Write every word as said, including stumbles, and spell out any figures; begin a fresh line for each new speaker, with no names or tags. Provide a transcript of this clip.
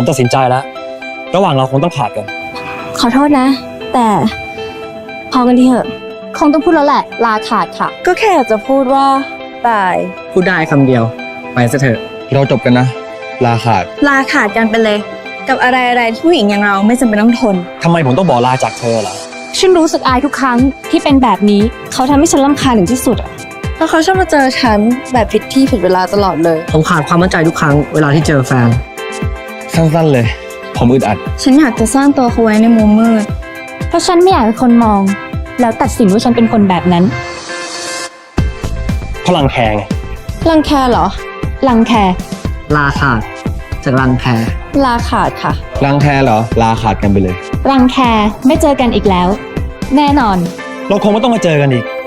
ผมตัดสินใจแล้วระหว่างเราคงต้องขาดกัน
ขอโทษนะ แต่พอกันทีเถอะ
คงต้องพูดแล้วแหละ ลาขาดค่ะ
ก็แค่อยากจะพูดว่าบาย
พูดได้คำเดียว ไปซะเถอะ
เราจบกันนะ ลาขาด
ลาขาดกันไปเลย กับอะไรอะไรที่ผู้หญิงอย่างเราไม่จำเป็นต้องทน
ทำไมผมต้องบอกลาจากเธอล่ะ
ฉันรู้สึกอายทุกครั้งที่เป็นแบบนี้
เขาทำให้ฉันรำคาญถึงที่สุดอะเพราะเขาชอบมาเจอฉันแบบผิดที่ผิดเวลาตลอดเลย
ผมขาดความมั่นใจทุกครั้งเวลาที่เจอแฟน
สั้นๆเลย ผมอึดอัด
ฉันอยากจะซ่อนตัวเขาไว้ในมุมมืด
เพราะฉันไม่อยากให้คนมอง แล้วตัดสินว่าฉันเป็นคนแบบนั้น
พลังแคง
รังแคเหรอ
ลังแค
ลาขาดจากรังแค
ลาขาดค่ะ
รังแคเหรอ ลาขาดกันไปเลย
รังแคไม่เจอกันอีกแล้ว แน่นอน
เราคงไม่ต้องมาเจอกันอีก